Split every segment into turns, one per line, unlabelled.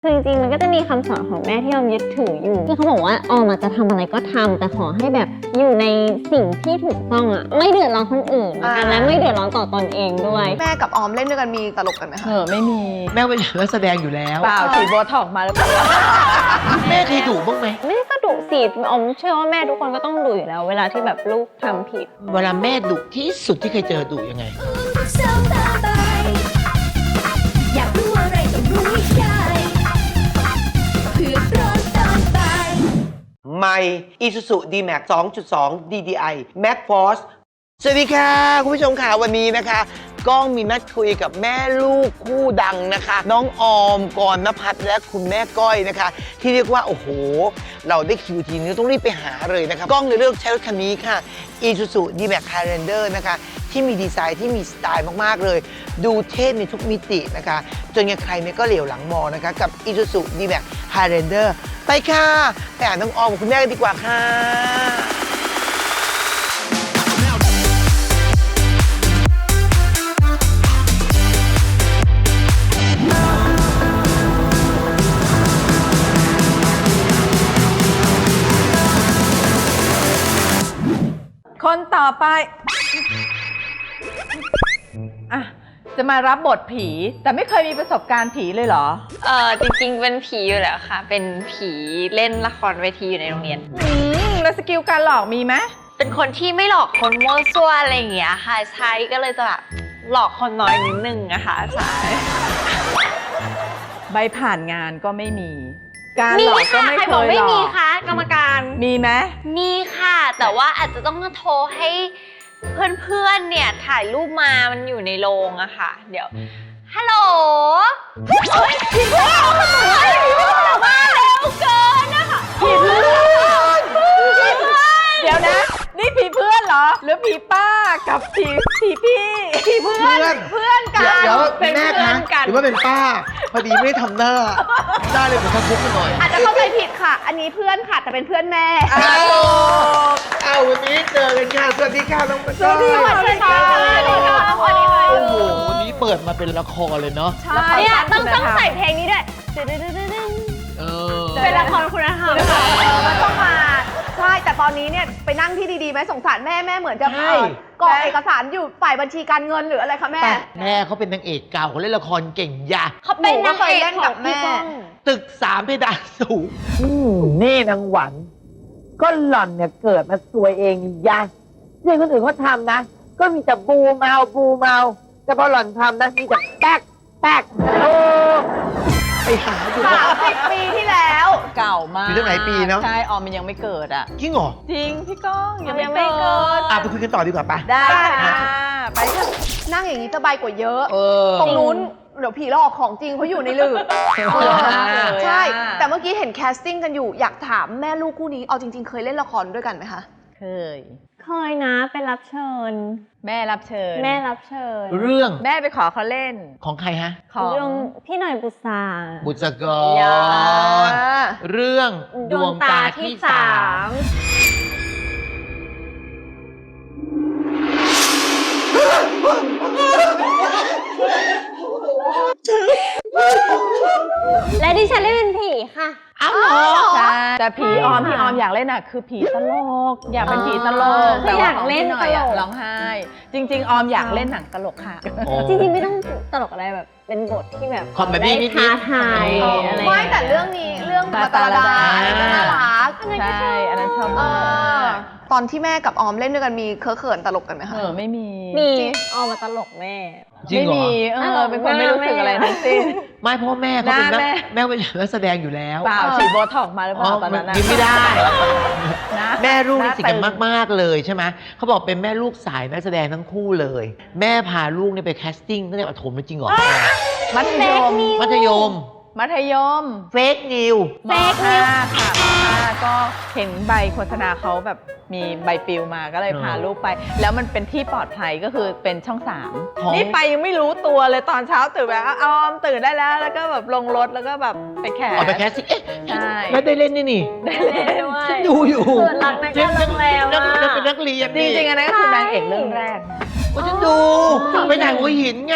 คือจริงๆมันก็จะมีคำสอนของแม่ที่ออมยึดถืออยู่ที่เขาบอกว่าออมจะทำอะไรก็ทำแต่ขอให้แบบอยู่ในสิ่งที่ถูกต้องอ่ะไม่เดือดร้อนคนอื่นแล้วกันและไม่เดือดร้อนต่อตนเองด้วย
แม่กับออมเล่นด้วยกันมีตลกกันไหมคะ
ไม่มี
แม่เป็นนักแสดงอยู่แล้ว
เปล่าฉีดโบท็อกซ์มาแล้ว
แม่เคยดุบ้างไหม
แม่ก็ดุสิออมเชื่อว่าแม่ทุกคนก็ต้องดุอยู่แล้วเวลาที่แบบลูกทำผิด
เวลาแม่ดุที่สุดที่เคยเจอดุยังไง
อยากรู้อะไรต้องรู้ให้ได้เพื่อร้อนตอนบ่าย
ใหม่ Isuzu D-Max 2.2 DDI Max Force สวัสดีค่ะ คุณผู้ชมค่ะวันนี้นะคะก้องมีนัดคุยกับแม่ลูกคู่ดังนะคะ น้องออมกรณพัฒน์และคุณแม่ก้อยนะคะ ที่เรียกว่าโอ้โห เราได้คิวทีนี้ต้องรีบไปหาเลยนะคะก้องเลยเลือกใช้รถคันนี้ค่ะ Isuzu D-Max Highlander นะคะที่มีดีไซน์ที่มีสไตล์มากๆเลย ดูเท่ในทุกมิตินะคะจนใครๆก็เหลียวหลังมองนะคะกับ Isuzu D-Max Highlander ไปค่ะไปหาน้องออมกับคุณแม่กันดีกว่าค่ะ
คนต่อไปอ่ะจะมารับบทผีแต่ไม่เคยมีประสบการณ์ผีเลยเหรอ
จริงๆเป็นผีอยู่แล้วค่ะ เป็นผีเล่นละครเวทีอยู่ในโรงเรียน
แล้วสกิลการหลอกมีไหม
เป็นคนที่ไม่หลอกคนมั่วซั่วอะไรอย่างเงี้ยค่ะ ใช้ก็เลยจะแบบหลอกคนน้อยนิดนึงอะค่ะใช่
ใบผ่านงานก็ไม่มี การห
มี
ลอกก็
ค่ะ
ไม่
ใคร
เค
บอก
ย
ไม่
หล
มี
อก
คะกรรมการ
มีไหม
มีค่ะ แต่ว่าอาจจะต้องโทรให้เพื่อนๆเนี่ยถ่ายรูปมามันอยู่ในโรงอะค่ะ เดี๋ยวฮัลโหลโอ๊ยผีเพื่อนมาเร็วเกินนะคะ
ผีเพื่อนเดี๋ยวนะ นี่ผีเพื่อนเหรอ หรือผีป้ากับผีพี่ผีเพื่อนเพื่อนกัน
เดี๋ยว
เป็น
แม่
เพื่
คะ
อนกัน
หรือว่าเป็นป้า พอดีไม่ได้ทำหน้าได้เลยเหมือนทำพุกกันหน่อย
อาจจะเข้าใจผิดค่ะ อันนี้เพื่อนค่ะแต่เป็นเพื่อนแม่
เอาวันนี้เจอกันค่ะสวัสดีค่ะน้องปะ
สวัสดีค่ะ
สวัสดีค่ะสวัสดีค่ะสวัสดีค่ะ
โอ้โหวันนี้เปิดมาเป็นละครเลยเนาะ
เนี่ยต้องใส่เพลงนี้ด้วย
เออ
เป็นละครคุณธรรม
มันต้องมาใช่แต่ตอนนี้เนี่ยไปนั่งที่ดีๆไหมสงสารแม่เหมือนจะ
ใช่
กรอกเอกสารอยู่ฝ่ายบัญชีการเงินหรืออะไรคะแม่
แม่เขาเป็นนางเอกเก่าเขาเล่นละครเก่งยา
เขาเป็นนางเอก
เล่น
ข
กั
อง
บ
พี่
แม่
ก้อง
ตึก3เพดานสูงนี่นางหวัน ก็หล่อนเนี่ยเกิดมาสวยเองยะเรื่องคนอื่นเขาทำนะ ก็มีแต่บูมเอาแต่พอหล่อนทำนะมีแต่แป๊กโอ้ไปหาดูว่า
30 ปีที่แล้ว
เก่ามาก
อยู่ตั้งหลายปีเนอะ
ใช่ออมมันยังไม่เกิดอ่ะ
จริงเหรอ
จริงพี่ก้องยัง
ยังไม่
ไม่
เกิ
เกิ
ด
ด
ไปคุยกันต่อดีกว่าปะ
ได้ค่ะไปเถอะ
นั่งอย่างนี้สบายกว่าเยอะ
เออ
ตรงนู้นเดี๋ยวผีหลอกของจริงเขาอยู่ในหลืบใช่ แต่เมื่อกี้เห็นแคสติ้งกันอยู่อยากถามแม่ลูกคู่นี้เอาจริงๆ เคยเล่นละครด้วยกันไหมคะ
เคย
เคยนะเป็นรับเชิญ
แม่รับเชิญ
แม่รับเชิญ
เรื่อง
แม่ไปขอเขาเล่น
ของใครฮะ
ของ
เรื่องพี่หน่อยบุษรา
บุษก
อย่า
ร เรื่องดวงตาที่สาม
และดิฉันเล่นเป็นผีค่ะ
อ้าวเหรอ
ใช่แต่ผีออมที่ออมอยากเล่นอ่ะคือผีตลก อยากเป็นผีตลก
คืออยากเล่น
แต่ว่าของพี่หน่อยอะ
ตลก
ร้องไห้ จริง ๆ ออมอยากเล่นหนังตลกค่ะ
จริงๆไม่ต้องตลกอะไรแบบเป็นบทที่แบบ
คอมเมดี้นิดๆ
ท้าทายอะไร
ไม่แต่เรื่องนี้เรื่องมาตาลดาอันนี้ก็น่ารัก
ใช่ อันนั้นชอบ
เอ
มาก
ตอนที่แม่กับออมเล่นด้วยกันมีเคอะเขินตลกกันไหมคะ
ไม่มี
มีออกมาตลกแม่
จริง
ไม่
เหรอ
มีเป็นคนไม่รู้สึกอะไรทั้งสิ้น
ไม่เพราะแม่เขาเป็น
หน้าแม่
แม่เป็นนักแสดงอยู่แล้ว
เปล่าฉีดโบท็อกซ์มาหรือเป
อ๋อ
ล่าตอนนั้นน่ะ
ยิ้มไม่ได้
นะ
แม่ลูกนี่สนิทกัน
หาตึง
มากๆเลยใช่ไหมเขาบอกเป็นแม่ลูกสายนักแสดงทั้งคู่เลย แม่พาลูกเนี่ยไปแคสติ้งตั้งแต่ประถมเลยจริงเหรอ
มัธยม
มัธยม
มัธยม
เฟกนิว
ม.5 ค่ะม.5 ก็เห็นใบโฆษณาเขาแบบมีใบปลิวมาก็เลยพาลูกไป แล้วมันเป็นที่ปลอดภัยก็คือเป็นช่อง
ของ
3 นี่ไปยังไม่รู้ตัวเลยตอนเช้าตื่นแบบออมตื่นได้แล้วแล้วก็แบบลงรถแล้วก็แบบไปแข่
ออกไปแคสติ้งเอ๊ะ
ใช่
แม่ได้เล่นนี่นี่
ได้เล่นด้วย
ฉันดูอยู่
ส่วนรักนักการโรงแรม
นัก
อะ
เป็นนักเรียน
จริงๆอันนั้นก็คือนางเอกเรื่องแรก
ก็ฉันดูไปไหนหัวหินไง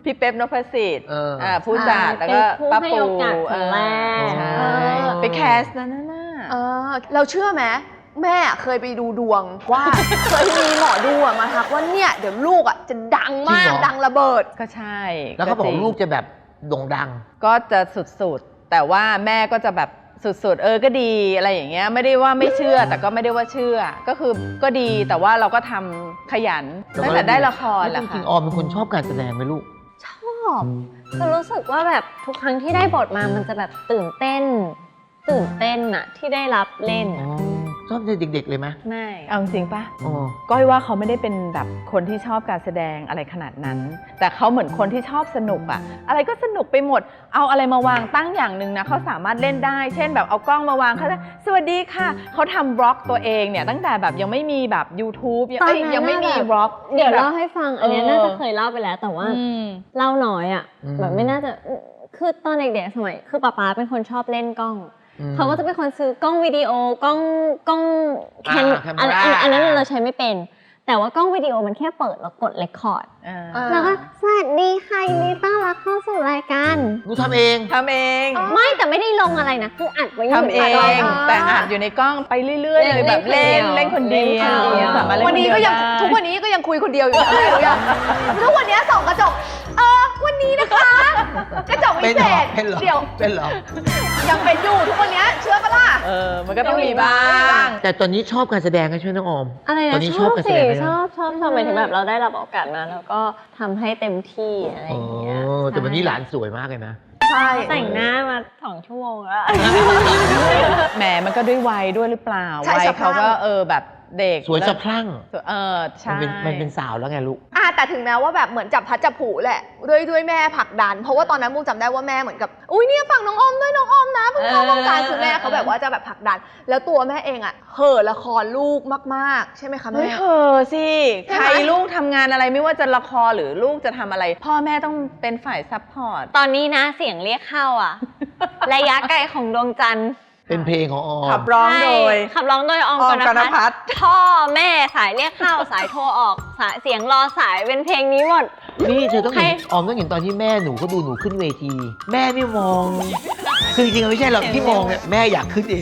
พี่เป๊ปนพสิทธิ์ ผู้จัด
ใช่
แล้วก็
เป็นผู้
ป้า
ให้
ปู
โอกาสคนแรก
ใช่
เออ
ไปแคสนั่นน่ะ
เราเชื่อไหมแม่เคยไปดูดวงว่า เคยมีหมอดูอะมาทักว่าเนี่ยเดี๋ยวลูกอะจะดังมาก
จริงเหรอ
ดังระเบิด
ก็ใช่
แล้วเขาบอก
จริง
ลูกจะแบบโด่งดัง
ก็จะสุดๆ แต่ว่าแม่ก็จะแบบสุดๆ ก็ดีอะไรอย่างเงี้ยไม่ได้ว่าไม่เชื่อแต่ก็ไม่ได้ว่าเชื่อ ก็คือก็ดีแต่ว่าเราก็ทำขยันตั้งแต่ได้ละครแห
จ
ละ
ริ
ค่ะ
งๆออมเป็นคนชอบการแสดงไหมลูก
ชอบคือรู้สึกว่าแบบทุกครั้งที่ได้บทมามันจะแบบตื่นเต้นอะที่ได้รับเล่น
อ๋อ ชอบเด็กๆเลยไหม
ไม่
เอาจริงๆปะ
อ๋อ
ก้อยว่าเขาไม่ได้เป็นแบบคนที่ชอบการแสดงอะไรขนาดนั้น แต่เขาเหมือนคนที่ชอบสนุกอะอะไรก็สนุกไปหมด เอาอะไรมาวางตั้งอย่างหนึ่งนะเขาสามารถเล่นได้ เช่นแบบเอากล้องมาวางเขาจะสวัสดีค่ะเขาทำบล็อกตัวเองเนี่ยตั้งแต่แบบยังไม่มีแบบ YouTube
ตอนนั้น
ยังไม่มี
แบบ
บล็อก
เดี๋ยวเล่าให้ฟัง อันเนี้ยน่าจะเคยเล่าไปแล้ว แต่ว่า
อืม
เล่าน้อยอะ
อืม
แบบไม่น่าจะคือตอนเด็กๆสมัยคือป๊าเป็นคนชอบเล่นกล้อง เขาก็จะเป็นคนซื้อกล้องวิดีโอกล้องแคน
camera
อันนั้นเราใช้ไม่เป็น แต่ว่ากล้องวิดีโอมันแค่เปิดแล้วกดเรคคอร์ด แล้วก็สวัสดีค่ะยินดีต้อนรับเข้าสู่รายการ
หนูทำเอง
ทำเอง
ไม่แต่ไม่ได้ลงอะไรนะ คืออัดไว้อยู่
ทำเอง แต่อัดอยู่ในกล้องไปเรื่อยๆเลยแบบเล่นคนเดียวสามารถเล่น
วันนี้ก็ยัง
คเดีวได้
ทุกวันนี้ก็ยังคุยคนเดียวอยู่นะทุกวันนี้ส่องกระจกวันนี้นะคะ กระจกวิเศษ
เป็นเหรอ
เดี๋ยว
เป็นเหรอ
ยังเป็นอยู่ทุกวันนี้เชื่อปะล่ะ
มันก็ต้องมีบ้าง
แต่ตอนนี้ชอบการแสดงกันใช่ไหมน้องออม
อะไร
ตอ
นะ
นนี้
ช
ช
อ
อ
บบ
การแส
สิ
ดงไหม
ชอบหมายถึงแบบเราได้รับโอกาสมาแล้วก็ทำให้เต็มที่อะไรอ
อ๋อย่าง
เงี้ย
แต่วันนี้หลานสวยมากเลยนะ
ใช่
แต่งหน้ามา2 ชั่วโมงแล้ว
แหมมันก็ด้วยวัยด้วยหรือเปล่า
ใช่
วัย
สะพรั่ง
เขาก็แบบเด็ก
สวยสะพรั่ง
ใช่
มันเป็นสาวแล้วไงลูก
แต่ถึงแม้ว่าแบบเหมือนจับพัดจับผูแหละด้วยแม่ผลักดัน เพราะว่าตอนนั้นมุกจำได้ว่าแม่เหมือนกับอุ้ยเนี่ยฝั่งน้องออมด้วยน้องออมนะเพิ่งเข้าวงการคือแม่เขาแบบว่าจะแบบผลักดัน แล้วตัวแม่เองอ่ะเห่อละครลูกมากๆ ใช่ไหมคะ
เฮ้
แม่
ยเธอสิ
ใช่
ใค
ไหม
รลูกทำงานอะไรไม่ว่าจะละครหรือลูกจะทำอะไร พ่อแม่ต้องเป็นฝ่ายซัพพอร์ต
ตอนนี้นะเสียงเรียกเข้าอ่ะ ระยะไกลของดวงจันทร์
เป็นเพลงของออม
ขับร้องโดย
ใช่ขับร้องโดยออม
ออม
กน
กนพั
พั
ฒ
ฒ
น์
พ่อแม่สายเรียกเข้า สายโทรออกสายเสียงรอสายเป็นเพลงนี้หมด
นี่เธอต้องเห็น
ใคร
ออมต้องเห็นตอนที่แม่หนูเขาดูหนูขึ้นเวที แม่ไม่มอง คือจริงๆไม่ใช่หรอกที่มองเนี่ยแม่อยากขึ้นเอง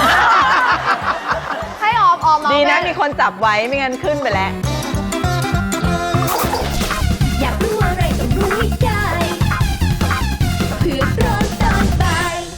ให้ออมมา
ดีนะ
แม่
มีคนจับไว้ไม่งั้นขึ้นไปแล้ว
อยากรู้อะไรต้องรู้ให้ได้เพื่อร้อนตอนบ่าย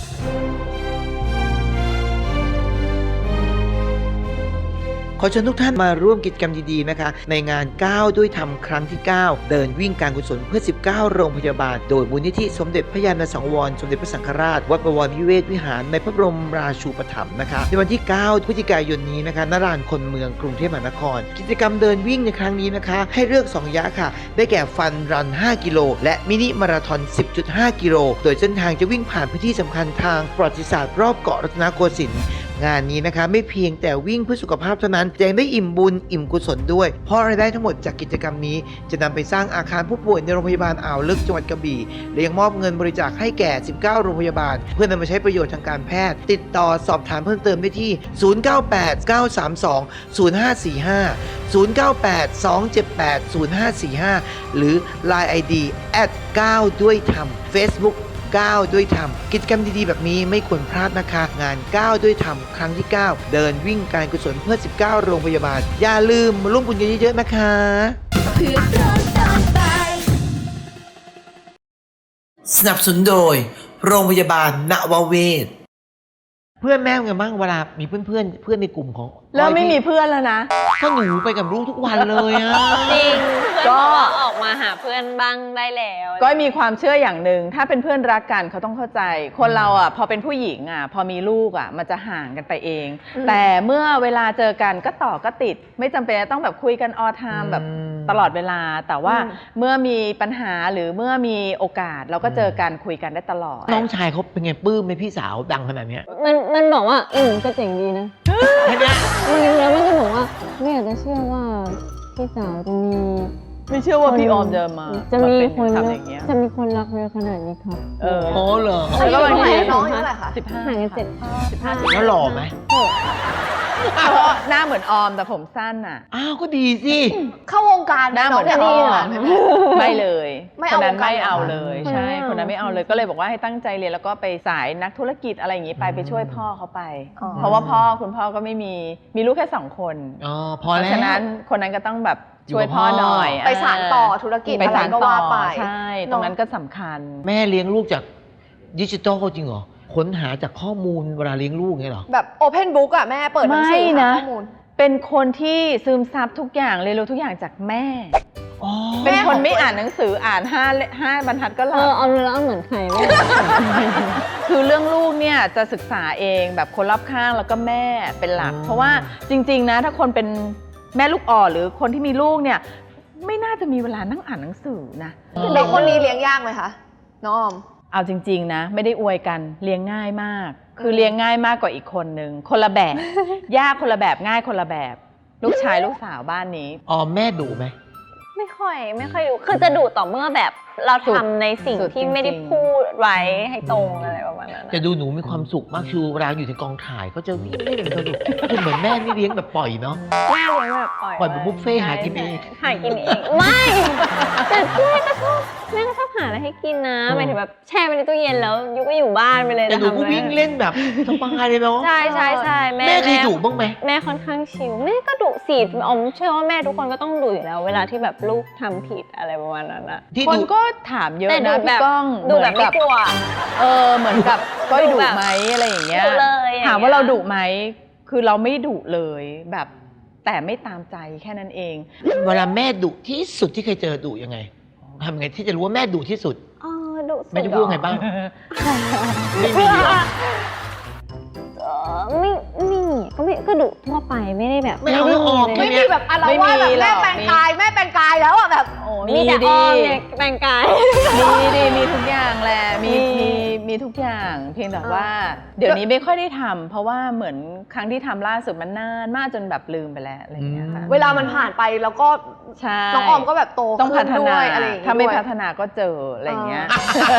ขอเชิญทุกท่านมาร่วมกิจกรรมดีๆนะคะ ในงาน9ด้วยธรรมครั้งที่ 9 เดินวิ่งการกุศลเพื่อ 19 โรงพยาบาล โดยมูลนิธิสมเด็จพระยาณสังวรสมเด็จพระสังฆราช วัดบวรนิเวศวิหารในพระบรมราชูปถัมภ์นะคะในวันที่ 9 พฤศจิกายนนี้นะคะณลานคนเมืองกรุงเทพมหานคร กิจกรรมเดินวิ่งในครั้งนี้นะคะ ให้เลือก 2 ยะค่ะ ได้แก่ฟันรัน 5 กิโล และมินิมาราธอน 10.5 กิโล โดยเส้นทางจะวิ่งผ่านพื้นที่สำคัญทางประวัติศาสตร์รอบเกาะรัตนโกสินทร์ งานนี้นะคะไม่เพียงแต่วิ่งเพื่อสุขภาพเท่านั้นยังได้อิ่มบุญอิ่มกุศลด้วยเพราะรายได้ทั้งหมดจากกิจกรรมนี้จะนำไปสร้างอาคารผู้ป่วยในโรงพยาบาลอ่าวลึกจังหวัดกระบี่และยังมอบเงินบริจาคให้แก่ 19 โรงพยาบาล เพื่อนำมาใช้ประโยชน์ทางการแพทย์ ติดต่อสอบถามเพิ่มเติมได้ที่ 0989320545 0982780545 หรือ Line ID @9ด้วยธรรม Facebook 9 ด้วยธรรม กิจกรรมดีๆแบบนี้ไม่ควรพลาดนะคะ งาน 9 ด้วยธรรมครั้งที่ 9 เดินวิ่งการกุศลเพื่อ 19 โรงพยาบาล อย่าลืมมาร่วมบุญกันเยอะๆนะคะ
เพื่อร้อนตอนบ่าย
สนับสนุนโดย โรงพยาบาลนวเวศเพื่อนแม่เป็นไงบ้างเวลามีเพื่อนในกลุ่มของ
เริ่มไม่มีเพื่อนแล้วนะ
ก็หนูไปกับลูกทุกวันเลยอะ
จริงเพื่อน
ก็
บอกว่าออกมาหาเพื่อนบ้างได้แล้ว
ก็มีความเชื่ออย่างหนึ่งถ้าเป็นเพื่อนรักกันเขาต้องเข้าใจ คนเราอ่ะพอเป็นผู้หญิงอ่ะพอมีลูกอ่ะมันจะห่างกันไปเอง แต่เมื่อเวลาเจอกันก็ต่อก็ติด ไม่จำเป็นจะต้องแบบคุยกันออไทม์แบบตลอดเวลา แต่ว่าเมื่อมีปัญหาหรือเมื่อมีโอกาสเราก็เจอกันคุยกันได้ตลอด
น้องชายเขาเป็นไงปลื้มไหมพี่สาวดังขนาดเนี้ย
มันบอกว่าก็เจ๋งดีนะ
แค่เนี้ย
แล้วมันก็บอกว่าไม่อยากจะเชื่อว่าพี่สาวจะมี
ไม่เชื่อว่าพี่ออมจะมา
จะมี
เป็น
คน
ทำอย่างเงี้ย
จะมีคนรักเยอะขนาดนี้ครับ
อ๋อเหรอ
อายุ
แล้วก็
เท่าไหร่
บางที
น้องอายุเท่าไหร่คะ
ห่างกัน15
แล้วหล่อไหม
เพราะหน้าเหมือนออมแต่ผมสั้นอ่ะ
อ้าวก็ดีสิ
เข้าวงการ
หน้าเหมือน
งจะ
ออ
เหร
มไม่เลย
ไม่
ค
เอา
นนั้น
วงการ
ไม่เอา
เหรอ
เลย
คนนั้น
ใช่
ไม่เอา
คนนั้นไม่เอาเลยก็เลยบอกว่าให้ตั้งใจเรียนแล้วก็ไปสายนักธุรกิจอะไรอย่างนี้ไปช่วยพ่อเขาไป เพราะว่าคุณพ่อก็ไม่มีลูกแค่2 คน
อ๋อพ
เพ
อ
ราะ
แล้ว
ฉะนั้นคนนั้นก็ต้องแบบ
อยู่
ช่วย
กับ
พ่อ
พ่อ
หน่อย
ไปสานต่อธุรกิจ
ไป
อะไร
สาน
ก็
ต่อ
ว่าไป
ใช่ตรงนั้นก็สำคัญ
แม่เลี้ยงลูกจากดิจิตอลจริงเหรอ ค้นหาจากข้อมูลเวลาเลี้ยงลูกเงี้ยเหรอ
แบบโอเพนบุ๊กอะแม่เปิดหนังสือ
ไม่
หา
นะ
ข้อมูล
เป็นคนที่ซึมซับทุกอย่างเรียนรู้ทุกอย่างจากแม่
อ๋อ
เป็นคนไม่อ่านหนังสืออ่าน5 บรรทัดก็หลับ
เอาเนื้อเหมือนใครไม่
คือเรื่องลูกเนี่ยจะศึกษาเองแบบคนรอบข้างแล้วก็แม่เป็นหลัก เพราะว่าจริงๆนะถ้าคนเป็นแม่ลูกอ่อนหรือคนที่มีลูกเนี่ยไม่น่าจะมีเวลานั่งอ่านหนังสือนะ
เด็กคนนี้เลี้ยงยากไหมคะน้องออม
เอาจริงๆนะไม่ได้อวยกันเลี้ยงง่ายมาก คือเลี้ยงง่ายมากกว่าอีกคนนึงคนละแบบ ยากคนละแบบง่ายคนละแบบ ลูกชายลูกสาวบ้านนี้
อ๋อแม่ดุไหม
ไม่ค่อยดูคือจะดูต่อเมื่อแบบเราทำในสิ่ง
สุด
ที่ไม่ได้
จริงๆ
พูดไว้ให้ตรงอะไรประมาณนั้น
แต่ดูหนูมีความสุขมากคือเวลาอยู่ในกองถ่ายก็จะวิ่งเล่นสนุกคือเหมือนแม่นี่เลี้ยงแบบปล่อยเนาะ
แม่เลี้ยงแบบปล่อย
ปล่อยแบบบุฟเฟ่ต์หากินเอง
หากินเองไม่แต่แม่ก็ชอบหาอะไรให้กินนะหมายถึงแบบแช่ไปในตู้เย็นแล้วยุก็อยู่บ้านไปเลย
แต่หนูก็วิ่งเล่นแบบสบายเลยเนาะ
ใช่แม่
แม่เคยดุบ้างไหม
แม่ค่อนข้างชิลแม่ก็ดุสิออมเชื่อว่าแม่ทุกคนก็ต้องดุอยู่แล้ว เวลาที่แบบลูกทำผิดอะไรประมาณนั้นอะ
ที่
คน
ดุ
ก็ถามเยอะ
แต่ดู
นะ
แบ
พี่
บ
ก้อง
ดูแบบไม่กลัว
เหมือนกับก้อย
ดู
ดุ
แบบ
ไหมอะไรอย่างเงี้ย
ดุเลยอย่างเงี้ย
ถามว่าเราดุไหมคือเราไม่ดุเลยแบบแต่ไม่ตามใจแค่นั้นเอง
เวลาแม่ดุที่สุดที่เคยเจอดุยังไงทำยังไงที่จะรู้ว่าแม่ดุที่สุด
ดุสุด
แม่จะพูดว่าไงบ้าง ไม่มี
ไม่
เหรอ
ก็ดุทั่วไปไม่ได้แบบ
ไม่เอา
ด้
ออก
เล
ไม่
ย
มีแบบอะไร
ไม่
ว่าแบบ
มีหร
แม่
อก
แปลงกายแม่แปลงกายแล้วอะแบบ
มีแต่อ้อมเนี่ยแปลงกาย
มีทุกอย่างแหละมีทุกอย่างเพียงแต่ว่า เดี๋ยวนี้ไม่ค่อยได้ทำเพราะว่าเหมือนครั้งที่ทำล่าสุดมันนานมากจนแบบลืมไปแล้วอะไรอย่างเงี้ยค่ะ
เวลามันผ่านไปแล้วก็
ใช่
น้องออมก็แบบโต
ต้อง
ขึ้
พั
น
ฒ
ด้
นา
วยอะไรอย่างงี้
ถ้าไม่
ด้วย
พัฒนาก็เจออะไรอย่างเงี้ย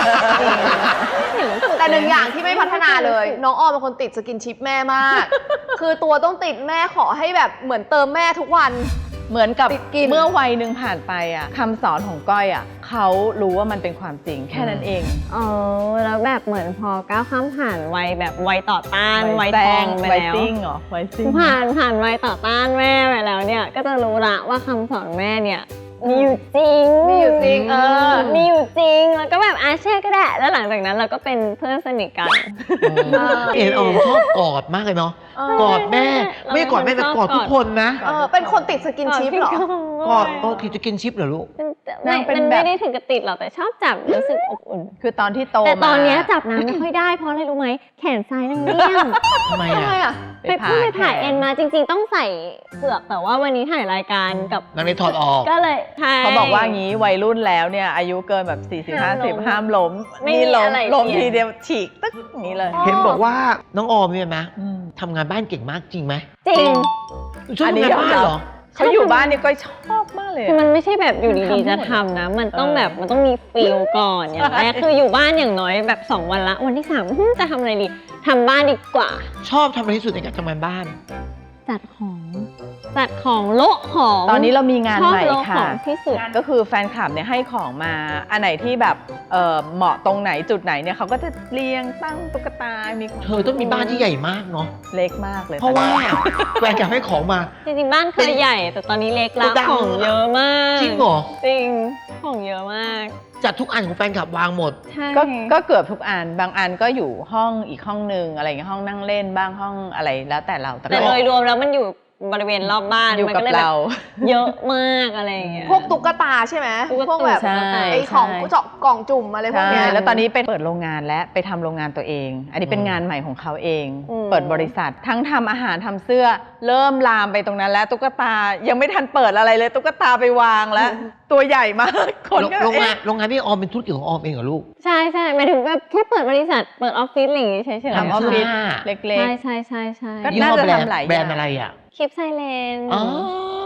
แต่หนึ่งอย่างที่ไม่พัฒนาเลย น้องออมเป็นคนติดสกินชิปแม่มาก คือตัวต้องติดแม่ขอให้แบบเหมือนเติมแม่ทุกวัน
เหมือนกับ
ติดกิน
เมื่อวัยหนึ่งผ่านไปอ่ะคำสอนของก้อยอ่ะเขารู้ว่ามันเป็นความจริงแค่นั้นเอง
แล้วแบบเหมือนพอก้าวข้ามผ่านวัยแบบวัยต่อต้านวัย
แซ
ทอง งไป
วัย
แล้ว
ซิ่งเหรอวัยซิ่ง
ผ่านวัยต่อต้านแม่ไปแล้วเนี่ยก็จะรู้ละว่าคำสอนแม่เนี่ยมีอยู่จริง
มีอยู่จริง
มีอยู่จริงแล้วก็แบบเชื่อก็ได้แล้วหลังจากนั้นเราก็เป็นเพื่อนสนิทกัน
เห็นออมชอบกอดมากเลยเนาะ กอดแม่ ไม่กอดแม่แต่กอดทุกคนนะ
เป็นคนติดสกินชิปเหรอ
กอดที่จะกินชิปเหรอลูก
มันไม่ได้ถึงกับติดหรอกแต่ชอบจับรู้สึกอบอุ่น
คือตอนที่โต
แต่ตอนเนี้ย
มา
จับน้ำไม่ค่อยได้เพราะอะไรรู้ไหมแขนซ้ายนางเลี่ยม
ทำไม
ทำไม
อ่ะ
อ่ะ
ไปผ่าเอ็นมาจริง ๆ ต้องใส่เผือกแต่ว่าวันนี้ถ่ายรายการกับ
นางเลยถอดออก
ก็เลยใช่
เขาบอกว่างี้วัยรุ่นแล้วเนี่ยอายุเกินแบบ40-50ห้ามล้ม
ไม่มี
นี่ล้ม
อะไร
ล้ม
เปลี่ยน
ทีเดียวฉีกตึ๊กอย่างนี้เลย
เห็นบอกว่าน้องออมเนี่ยนะทำงานบ้านเก่งมากจริงไหม
จริง
ชอบ
อันนี้
ทำงานบ้านเหรอ
เขาอยู่บ้านนี่ก็ชอบมากเลย
คือ
อะ
มันไม่ใช่แบบอยู่ดีๆจะทำนะ มันต้องแบบมันต้องมีฟีลก่อนอย่างแรกคืออยู่บ้านอย่างน้อยแบบ2 วันละวันที่3จะทำอะไรดีทำบ้านดีกว่า
ชอบทำอะไรที่สุดในการทำงานบ้าน
จัดของโละของ
ตอนนี้เรามีงาน
ชอบ
ใหม่
โละข
ค่ะ
องที่สุด
ก็คือแฟนคลับเนี่ยให้ของมาอันไหนที่แบบเหมาะตรงไหนจุดไหนเนี่ยเขาก็จะเรียงตั้งตุ๊กตา มีของ
เธอต้องมีบ้านที่ใหญ่มากเนาะ
เล็กมากเลย
เพราะว่าแฟนอยากให้ของมา
จริงๆบ้านเคยใหญ่ แต่ตอนนี้เล็กแล้ว
โกดัง
ของเยอะมาก
จริงเหรอ
จริงของเยอะมาก
จัดทุกอันของแฟนคลับวางหมด
ใช่
ก็เกือบทุกอันบางอันก็อยู่ห้องอีกห้องนึงอะไรอย่างเงี้ยห้องนั่งเล่นบ้างห้องอะไรแล้วแต่เรา
แต่โดยรวมแล้วมันอยู่บริเวณรอบบ้าน
อยู่
มัน
กับ
ก็เลยแบบ
เรา
เยอะมากอะไรอย่างเงี้ย
พวกตุ๊กตาใช่ไหม
ตุ๊กตา
พวกแบบ
ใช่
ไอ้ของ
ใช่
เจาะกล่องจุ่มอะไรพวก
ใช่
เนี้ย
แล้วตอนนี้ไปเปิดโรงงานและไปทำโรงงานตัวเอง อันนี้เป็นงานใหม่ของเขาเอง เปิดบริษัททั้งทำอาหารทำเสื้อ เริ่มลามไปตรงนั้นแล้วตุ๊กตายังไม่ทันเปิดอะไรเลยตุ๊กตาไปวางแล้ว ตัวใหญ่มากคนก็
โรงงาน
เอ๊ะ
โรงงานพี่ออมเป็นธุรกิจของออมเองเหรอลูก
ใช่หมายถึงแบบแค่เปิดบริษัทเปิดออฟฟิศอะไรอย่างงี้เฉยๆ
ทำออฟฟิศ
ผ้า
เล็ก
ใช่
ก็
ยี่
น่า
ห้อ
จะ
แบรนด์
ทำหลายอย่าง
แบรนด์อะไรอ่ะ
คลิปไซเลน
อ๋อ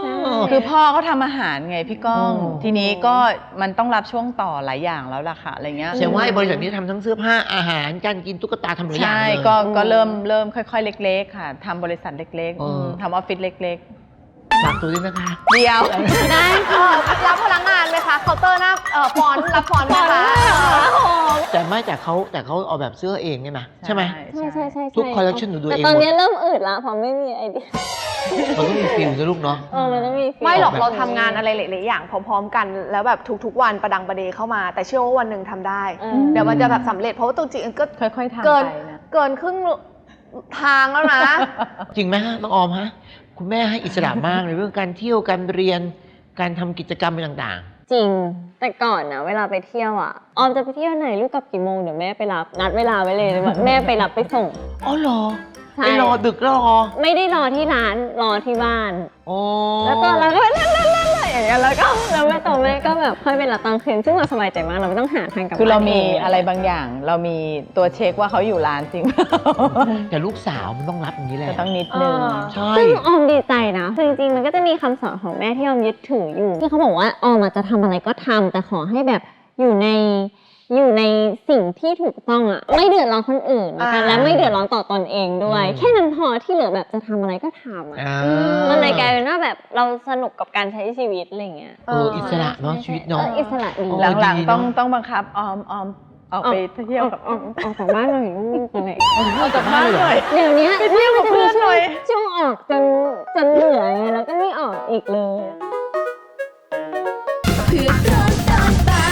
คือพ่อเขาทำอาหารไงพี่ก้อง
อ๋อ
ทีนี้ก็มันต้องรับช่วงต่อหลายอย่างแล้วล่ะค่ะอะไรเงี้ย
แสดงว่าไอ้บริษัทนี้ทำทั้งเสื้อผ้าอาหารการกินตุ๊กตาทำหลายอย่าง
ใช่
เลย
ก็เริ่มค่อยๆเล็กๆค่ะทำบริษัทเล็ก
เออ
ทำออฟฟิศเล็ก
ฝากตัวด้วยนะคะ
ๆ เดียว
ได้รับพนักงานไหมคะเคาน์เตอร์หน้าฟอนต์รับฟอนต์ไหมคะ
แต่เขาเอาแบบเสื้อเองเนี่ยนะใช่ไหม
ใช่ใช่ใช่
ทุก collection หนูดู
แต่
เอง
ตอน
หมด
นี้เริ่มอืดละเพราะไม่มีไอเดีย
มันต้องมีฟิลนะลูกเนาะ
มันต้องมีฟีล
ไม่หรอก
แบบ
เราทำงานอะไรหลายๆอย่างพร้อมๆกัน แล้วแบบทุกๆวันประดังประเดเข้ามา แต่เชื่อว่าวันหนึ่งทำได้ เดี๋ยวมันจะแบบสำเร็จเพราะว่าตัวจริงก็
ค่อยๆทำ
เกิน
ไปนะ
เกินครึ่งทางแล้วนะ
จริงไหมฮะน้องออมฮะคุณแม่ให้อิสระมากในเรื่องการเที่ยวการเรียนการทำกิจกรรมอะไรต่าง
จริง แต่ก่อนนะเวลาไปเที่ยวอ่ะ ออมจะไปเที่ยวไหนลูกกลับกี่โมงเดี๋ยวแม่ไปรับนัดเวลาไว้เลยแบบแม่ไปรับไปส่ง
ๆอ๋อเหรอ
ใช่
ไปรอดึกแล้วรอ
ไม่ได้รอที่ร้านรอที่บ้าน
อ๋อ
แล้วก็เราก็เล่นอย่างเงี้ยแล้วแม่ตัวแม่ก็แบบค่อยไปรับตอนคืนซึ่งเราสบายใจมากเราไม่ต้องหาทางกลับ
คือเรามี
บ้นง
อะไรบางอย่าง เรามีตัวเช็คว่าเขาอยู่ร้านจริง
แต่ลูกสาวมันต้องรับอย่างนี้แหละ
จะต้องนิดนึง
ใช่
ซึ่งออมดีใจนะคือจริงๆมันก็จะมีคำสอนของแม่ที่ออมยึดถืออยู่ที่เขาบอกว่าออมอาจจะทำอะไรก็ทำแต่ขอให้แบบอยู่ในสิ่งที่ถูกต้องอะไม่เดือดร้อนคนอื่นนะคะและไม่เดือดร้อนต่อตนเองด้วย แค่นั้นพอที่เหลือแบบจะทำอะไรก็ทำอะ
อ่า
มันเลยกลายเป็นว่าแบบเราสนุกกับการใช้ชีวิตอะไรเงี้ย
อิสระเนาะชีวิตเนาะ
อิสระดี
หลัง
ดี
ๆ
เนอะ
ต้องบังคับออมออกไปเที่ยวกับ
ออกจากบ้านหน่อยลูกอะไร
ออกจากบ้านหน่อย
เดี๋ยวนี้
ไปเที่ยวกับเพื่อนหน่อย
ช่วงออกจนเหนื่อยไงแล้วก็ไม่ออกอีกเลย
เพื่อนร้อนตอนบ่าย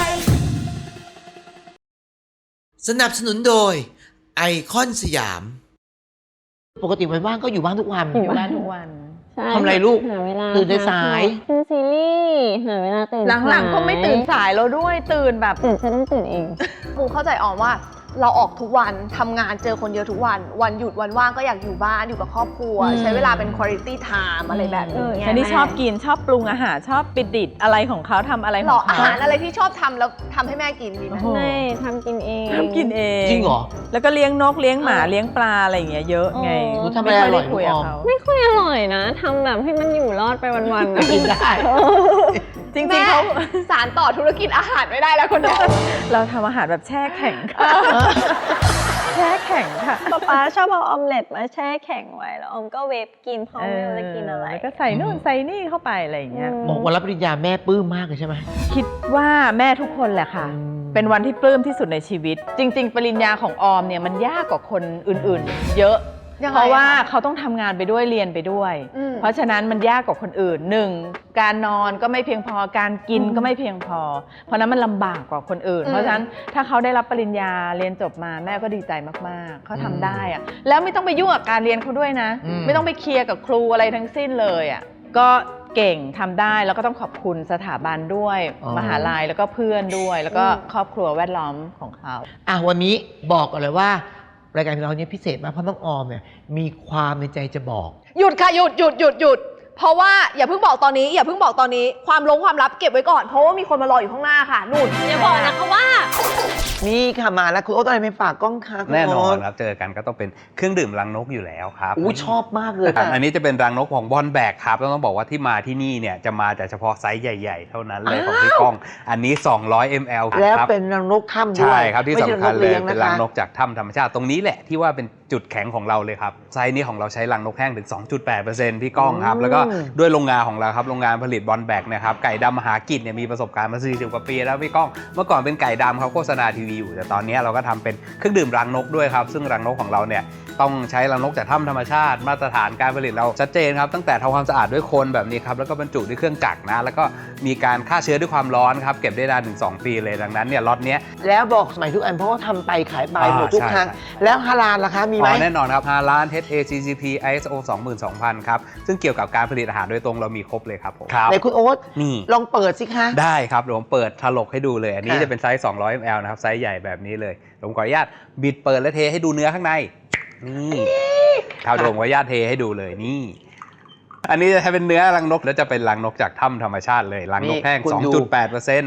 สนับสนุนโดยไอคอนสยาม ปกติวันว่างก็อยู่บ้านทุกวัน
อยู่บ้านทุกวัน
ใช่
ทำอะไรลูก
หาเวลา
ตื่นสาย
ดูซีรีส์หาเวลาตื่น
หลังๆก็ไม่ตื่นสายแล้วด้วยตื่นแบบ
ตื่นฉันต้องตื่นเอง
ปูเข้าใจออมว่าเราออกทุกวันทำงานเจอคนเยอะทุกวัน วันหยุดวันว่างก็อยากอยู่บ้านอยู่กับครอบครัว ใช้เวลาเป็น quality time อะไรแบบนี้ไง
ฉันนี่ชอบกินชอบปรุงอาหารชอบปิดดิดอะไรของเขาทำอะไรข
หร
อ
อง อา
เขา
หารอะไรที่ชอบทำแล้วทำให้แม่กินดีไหม
โอ้โห
ไม่ทำกินเอง
ทำกินเอง
จริงเหรอ
แล้วก็เลี้ยงนกเลี้ยงหมาเลี้ยงปลาอะไรอย่างเงี้ยเยอะไง
หนูทำอะไรอร่อย
ม่ค่ด้คุยกับ
ลูกออม
เขา
ไม่ค่อยอร่อยนะทำแบบให้มันอยู่รอดไปวันๆนะ
กินได้
จริง
แม่
ๆเขา
สารต่อธุรกิจอาหารไม่ได้แล้วคนเดียว
เราทำอาหารแบบแช่แข็งค่ะแช่แข็งค่ะ
ป๊าชอบเอาออมเล็ตมาแช่แข็งไว้แล้วออมก็เวฟกินพร้อมไม่รู้จะกินอะไร
แล้วก็ใส่นู่นใส่นี่เข้าไปอะไรอย่างเงี้ย
บอกวันรับปริญญาแม่ปลื้มมากเลยใช่ไหม
คิดว่าแม่ทุกคนแหละค่ะ เป็นวันที่ปลื้มที่สุดในชีวิต จริง ๆ ปริญญาของออมเนี่ยมันยากกว่าคนอื่นๆ เยอะ
ยังไง
เพราะว่า
คะ
เขาต้องทำงานไปด้วยเรียนไปด้วย
อืม
เพราะฉะนั้นมันยากกว่าคนอื่นหนึ่งการนอนก็ไม่เพียงพอการกินก็ไม่เพียงพอ เพราะนั้นมันลำบากกว่าคนอื่น เพราะฉะนั้นถ้าเขาได้รับปริญญาเรียนจบมาแม่ก็ดีใจมากๆเขาทำได้อะแล้วไม่ต้องไปยุ่งกับการเรียนเขาด้วยนะ ไม่ต้องไปเคลียร์กับครูอะไรทั้งสิ้นเลยอ่ะก็เก่งทำได้แล้วก็ต้องขอบคุณสถาบันด้วย มหาลัยแล้วก็เพื่อนด้วย แล้วก็ครอบครัวแวดล้อมของเขา
วันนี้บอกกันเลยว่ารายการของเราเนี่ยพิเศษมากเพราะน้องออมเนี่ยมีความในใจจะบอก
หยุดค่ะหยุดเพราะว่าอย่าเพิ่งบอกตอนนี้ความลับเก็บไว้ก่อนเพราะว่ามีคนมารออยู่ข้างหน้าค่ะนู่น
อย่าบอกนะคะว่า
นี่ค่ะมาแล้วคุณโอ๊ตอะไรไม่ฝากกล้องคะคุณ
แน่นอน
โต
ครับเจอกันก็ต้องเป็นเครื่องดื่มรังนกอยู่แล้วครับ
อู้ชอบมากเลย
อันนี้จะเป็นรังนกของบอลแบกครับแล้วต้องบอกว่าที่มาที่นี่เนี่ยจะมาแต่เฉพาะไซส์ใหญ่ ๆ เท่านั้นเลยของพี่ก้อง อันนี้ 200 ml
แล้ว
ครับ
เป็นรังนกถ้ำด้วย
ใช่ครับที่
ไม่ใช่
สำคัญเลย
ง
เป็นรังนกจากถ้ำธรรมชาติตรงนี้แหละที่ว่าเป็นจุดแข็งของเราเลยครับไซส์นี้ของเราใช้รังนกแห้งถึง 2.8% พี่ก้องครับแล้วก็ด้วยโรงงานของเราครับโรงงานผลิตบอลแบกนะครับไก่ดำมหากิจเนี่ยมีประสบการณ์มา40 กว่าปีแล้วพี่ก้องเมื่อก่อนเป็นไก่ดำเขาโฆษณาทีวีอยู่แต่ตอนนี้เราก็ทำเป็นเครื่องดื่มรังนกด้วยครับซึ่งรังนกของเราเนี่ยต้องใช้รังนกจากถ้ำธรรมชาติมาตรฐานการผลิตเราชัดเจนครับตั้งแต่ทำความสะอาดด้วยคนแบบนี้ครับแล้วก็บรรจุด้วยเครื่องจักรนะแล้วก็มีการฆ่าเชื้อด้วยความร้อนครับเก็บได้นานถึง2 ปีเลยดังนั้นเนี่ยล็อตเนี้ย
แล้วบอกสมัยทุกอันเพราะว่าทำไปขายไปหมดทุก
ใช่
ครั้ง
ใช่
แล้วฮาลาลล่ะคะมีไหม
แน่นอนครับ5 ล้าน HACCP ISO 22000 ครับซึ่งเกี่ยวกับการผลิตอาหารโดยตรงเรามีครบเลยครับผม
ไหนคุณโอ๊ต
นี่
ลองเปิดสิคะ
ได้ครับเดี๋ยวผมเปิดถลกให้ดูเลยอันนี้
ค่ะ
จะเป็นไซส์200 ml นะครับไซส์ใหญ่แบบนี้เลยผมขออนุญาตบิดเปิดและเทให้ดูเนื้อข้างในนี่ครับผมขออนุญาตเทให้ดูเลยนี่ อันนี้จะเป็นเนื้อรังนกแล้วจะเป็นรังนกจากถ้ำธรรมชาติเลยรังนกแห้ง 2.8%ครับ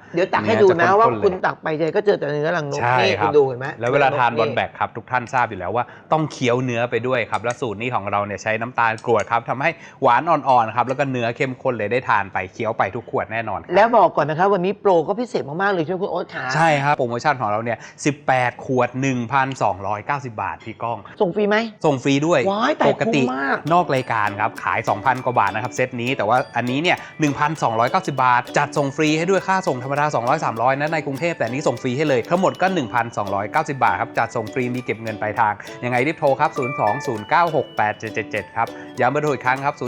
เดี๋ยวตักให้ดูนะว่าคุณตักไปเจก็เจอแต่เนื้อรังนก
ใช่
นี่
ค
คุ
รับ
ณดูเห็นไหม
แล้วเวลาทานบอลแบกครับทุกท่านทราบอยู่แล้วว่าต้องเคี้ยวเนื้อไปด้วยครับและสูตรนี้ของเราเนี่ยใช้น้ำตาลกรวดครับทำให้หวานอ่อนๆครับแล้วก็เนื้อเข้มข้นเลยได้ทานไปเคี้ยวไปทุกขวดแน่นอนครับ
แล้วบอกก่อนนะครับวันนี้โปรก็พิเศษมากๆเลยใช่ไหมคุณโอ๊ตขา
ใช่ครับโปรโมชั่นของเราเนี่ย18 ขวด 1,290 บาทพี่ก้อง
ส่งฟรีไหม
ส่งฟรีด้วย
ว้ายแต่
ปกติ
คุ้มมาก
นอกรายการครับขาย 2,000 กว่าบาทนะครับเซตนี้แต่ว่าอันนี้เนี่ย 1,290 บาท จัดส่งฟรีให้ด้วยค่าส่งธรรมดา 200-300 นะในกรุงเทพแต่อันนี้ส่งฟรีให้เลยทั้งหมดก็ 1,290 บาทครับจัดส่งฟรีมีเก็บเงินปลายทางยังไงรีบโทรครับ 02-096-8777 ครับย้ำเบอร์โทรอีกครั้งครับ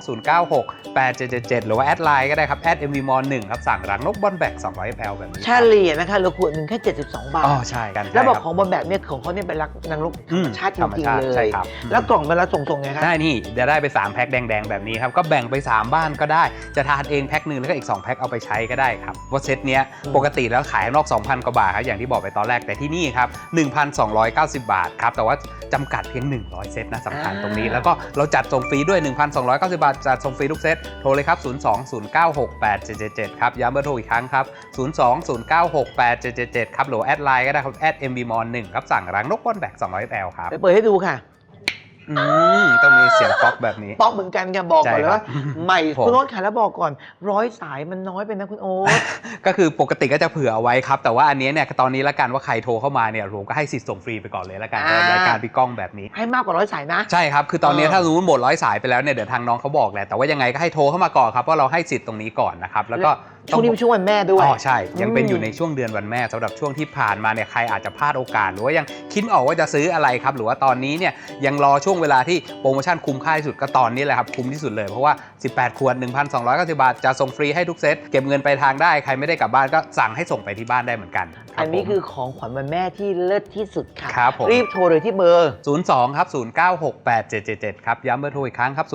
02-096-8777 หรือว่าแอดไลน์ก็ได้ครับ@mvmon1 ครับสั่งรังนกบอลแบก200 ml แบบนี้
เฉลี่ยนะคะเหลือขวดหนึ่งแค่72 บาท
อ๋อใช่กัน
แล้วบอก
ใช่
ของบอลแบกเนี่ยของเขาเนี่ยเป็นรักนางรกธรรมชาติจ
ธรรม
ริง
ชา
ๆ
ติ
เล
ใช่
ย
ครับ
แล้วกล่องเวลาส่งไงครับ
ได้นี่จะได้ไป3แพ็คแดงๆแบบนี้ครับก็แบ่งไป3บ้านก็ได้จะทานเองแพ็คหนึ่งแล้วก็อีก2แพ็คเอาไปใช้ก็ได้ครับว่าเซตเนี้ยปกติแล้วขายข้างนอก 2,000 กว่าบาทครับอย่างที่บอกไปตอนแรกแต่ที่นี่ครับ 1,290 บาทครับแต่ว่าจำกัดเพียง100เซตนะสำคัญตรงนี้แล้วก็เราจัดส่งฟรีด้วย 1,290 บาทจัดส่งฟรีทุกเซตโทรเลยครับ 02-096-8777 ครับย้ำเบอร์โทรอีกครั้งครับ 02-096-8777 ครับหรือแอดไลน์ก็ได้ครับ@mvmon1 ครับสั่งรังนกบอลแบก200 ml ครับ
ไปเปิดให้ดูค่ะ
ต้องมีเสียงป๊อกแบบนี้
ป๊อกเหมือนกันค่ะบอกก่อนเลยว่า
ใช่ครับ
ใหม่
ผม
คุณโอ๊ตค่ะแล้วบอกก่อน100 สายมันน้อยไปนะคุณโอ๊ต
ก็คือปกติก็จะเผื่อเอาไว้ครับ แต่ว่าอันนี้เนี่ยตอนนี้ละกันว่าใครโทรเข้ามาเนี่ยผมก็ให้สิทธิ์ส่งฟรีไปก่อนเลยละกัน
อ่า
รายการพี่ก้องแบบนี้
ให้มากกว่า100 สายนะ
ใช่ครับ คือตอนนี้ถ้ารู้หมด100 สายไปแล้วเนี่ยเดี๋ยวทางน้องเขาบอกแหละแต่ว่ายังไงก็ให้โทรเข้ามาก่อนครับเพราะเราให้สิทธิ์ตรงนี้ก่อนนะครับแล้วก็
ช่วงนี้เป็นช่วงวันแม่ด้วย
อ๋อใช่ยังเป็นอยู่ในช่วงเดือนวันแม่สำหรับช่วงที่ผ่านมาเนี่ยใครอาจจะพลาดโอกาสหรือว่ายังคิดไม่ออกว่าจะซื้ออะไรครับหรือว่าตอนนี้เนี่ยยังรอช่วงเวลาที่โปรโมชั่นคุ้มค่าที่สุดก็ตอนนี้แหละครับคุ้มที่สุดเลยเพราะว่า18 ขวด 1,290 บาทจะส่งฟรีให้ทุกเซตเก็บเงินไปทางได้ใครไม่ได้กลับบ้านก็สั่งให้ส่งไปที่บ้านได้เหมือนกันรับ
อันนี้
ผม
คือของขวัญวันแม่ที่เลิศที่สุดค่ะ
ครับผม
รีบโทรเลยที่เบอร์
02 ครับ 0968777 ครับย้ำเบอร์โทรอีกครั้งครับ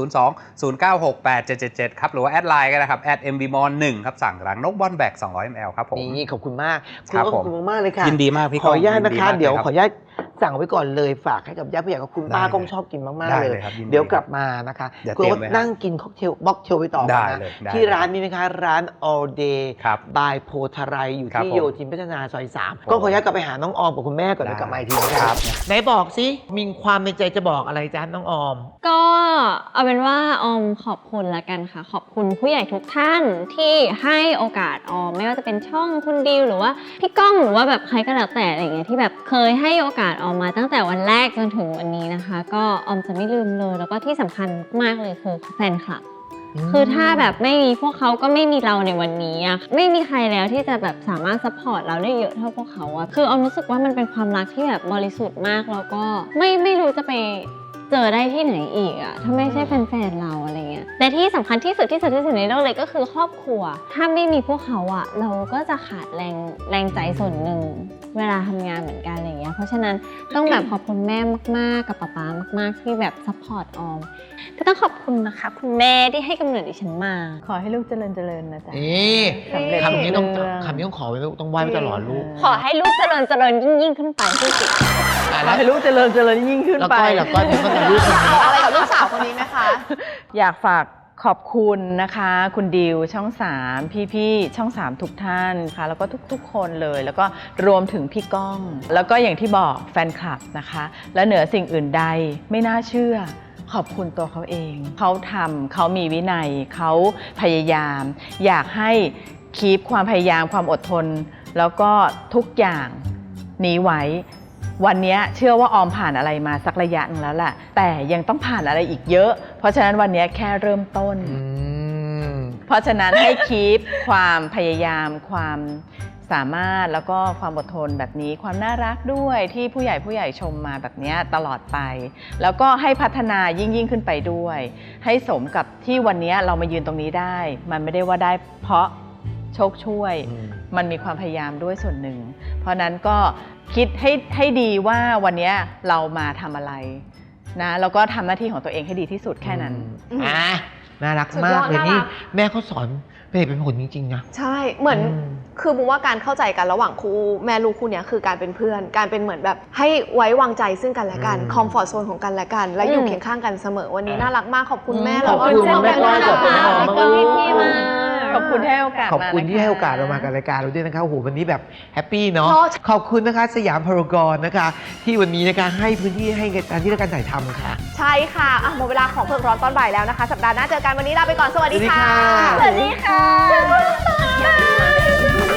02 0968777 ครับหรือว่าแอดไลน์ก็ได้ครับ@mvmon1 ครับสั่งรังนกบอลแบก200 ml ครับผม
นี่ขอบคุณมากคุณ
ครับ
โอ๊ตขอบคุณมากๆเลยค่ะ
ยินดีมากพี่
ขออนุญาต
ก้อง
นะคะ
ยินดีมาก
เดี๋ยว
เลยครับ
ขออนุญาตสั่งไว้ก่อนเลยฝากให้กับญาติผู้ใหญ่กับคุณป้า
ได้เลย
ก้องชอบกินมาก
ได้
ๆ เล
เลย ยครับยินดี
เดี๋ยวกลับมานะคะ
เดี๋ยว
คุณ
เตรีย
โอ๊
ม
ต
ไว้
นั่งกินค็อกเทลบ็อกเทลไปต่อ
ได้
นะ
เลยได้
ที่ร้านนี้นะคะร้าน all day
ครับ
by โพธารายอยู่
ครับ
ที่
ผม
โยธินพัฒนาซอย3ก็ขออนุญาตกลับไปหาน้องออมกับคุณแม่ก่อนแล้วกลับมาอีกทีนะครับไหนบอกสิมีความในใจจะบอกอะไรจ๊ะน้องออม
ก็เอาเป็นว่าออมขอบคุณละกันค่ะ ขอบคุณผู้ใหญ่ทุกท่านที่ให้โอกาสออมไม่ว่าจะเป็นช่องคุณดิวหรือว่าพี่ก้องหรือว่าแบบใครก็แล้วแต่อะไรอย่างเงี้ยที่แบบเคยให้โอกาสออมมาตั้งแต่วันแรกจนถึงวันนี้นะคะ ก็ออมจะไม่ลืมเลยแล้วก็ที่สำคัญมากเลยคือแฟนคลับ คือถ้าแบบไม่มีพวกเขาก็ไม่มีเราในวันนี้อะไม่มีใครแล้วที่จะแบบสามารถซัพพอร์ตเราได้เยอะเท่าพวกเขาอะคือออมรู้สึกว่ามันเป็นความรักที่แบบบริสุทธิ์มากแล้วก็ไม่รู้จะไปเจอได้ที่ไหนอีกอะถ้าไม่ใช่แฟนๆเราอะไรเงี้ยแต่ที่สำคัญที่สุดในโลกเลยก็คือครอบครัว ถ้าไม่มีพวกเขาอะเราก็จะขาดแรงใจส่วนหนึ่งเวลาทำงานเหมือนกันอะไรเงี้ยเพราะฉะนั้นต้องแบบขอบคุณแม่มากๆกับป๊ามากๆที่แบบซัพพอร์ตออมก็ต้องขอบคุณนะคะคุณแม่ที่ให้กำเนิดดิฉันมา
ขอให้ลูกเจริญนะจ๊ะ
นี่
สำเร็จ
คำนี้ต้อง
เรื่อง
คำนี้ต้องขอไว้ต้องไหว้ไว้ตลอดลูก
ขอให้ลูกเจริญยิ่งขึ้นไปที่สุด
ขอให้ลูกเจริญยิ่งขึ้น
แล้ว
ไป
ก้อยเป็นคนแต่ลูกคนนี้
บอกอะไรกับลูกสาวคนนี้ไหมคะ
อยากฝากขอบคุณนะคะ คุณดิวช่อง 3 พี่ๆช่อง 3 ทุกท่านค่ะแล้วก็ทุกๆคนเลย แล้วก็รวมถึงพี่ก้อง แล้วก็อย่างที่บอกแฟนคลับนะคะ และเหนือสิ่งอื่นใดไม่น่าเชื่อ ขอบคุณตัวเขาเอง เขาทำเขามีวินัยเขาพยายาม อยากให้คีปความพยายามความอดทน แล้วก็ทุกอย่างนี้ไว้ วันนี้เชื่อว่าออมผ่านอะไรมาสักระยะหนึงแล้วแหละแต่ยังต้องผ่านอะไรอีกเยอะ เพราะฉะนั้นวันนี้แค่เริ่มต้น เพราะฉะนั้นให้คีปความพยายามความสามารถแล้วก็ความอดทนแบบนี้ความน่ารักด้วยที่ผู้ใหญ่ชมมาแบบนี้ตลอดไป แล้วก็ให้พัฒนายิ่งขึ้นไปด้วย ให้สมกับที่วันนี้เรามายืนตรงนี้ได้ มันไม่ได้ว่าได้เพราะโชคช่วย มันมีความพยายามด้วยส่วนหนึ่ง เพราะนั้นก็คิดให้ดีว่าวันนี้เรามาทำอะไรนะแล้วก็ทำหน้าที่ของตัวเองให้ดีที่สุดแค่นั้น
น่ารัก
สุด
มาย ก
อด
เลย
น่ารัก
นี่แม่เขาสอนเป็นเหตุเป็นผลจริงๆนะ
ใช่ เหมือน
อืม
คือบุมว่าการเข้าใจกันระหว่างคู่แม่ลูกคู่เนี้ยคือการเป็นเพื่อน การเป็นเหมือนแบบให้ไว้วางใจซึ่งกันและกัน คอมฟอร์ทโซนของกันและกัน และอยู่เคียงข้างกันเสมอ วันนี้น่ารักมาก ขอบคุณแม่
ข
แล้
อบ
วก็
คุณ
เช่น
แม่
กัน
ก้อย
นะ
ขอบคุณ
คะ
น้อง
พี่ก้องพี่มาก
ขอบคุณที่ให้โอกาส
ขอบคุณ
มานะคะ
ที่ให้โอกาสเรามากับรายการเราด้วยนะคะโอ้โหวันนี้แบบแฮปปี้เนาะ
เนอะ
ขอบคุณนะคะสยามพารากอนนะคะ ที่วันนี้นะคะให้พื้นที่ให้การที่การถ่ายทำค่ะ
ใช่ค่ะอ่ะหมดเวลาของเพิงร้อนตอนบ่ายแล้วนะคะ สัปดาห์หน้าเจอกันวันนี้ลาไปก่อนสวัสดีค่ะ
สวัสดีค่ะ
สวัสดีค่ะ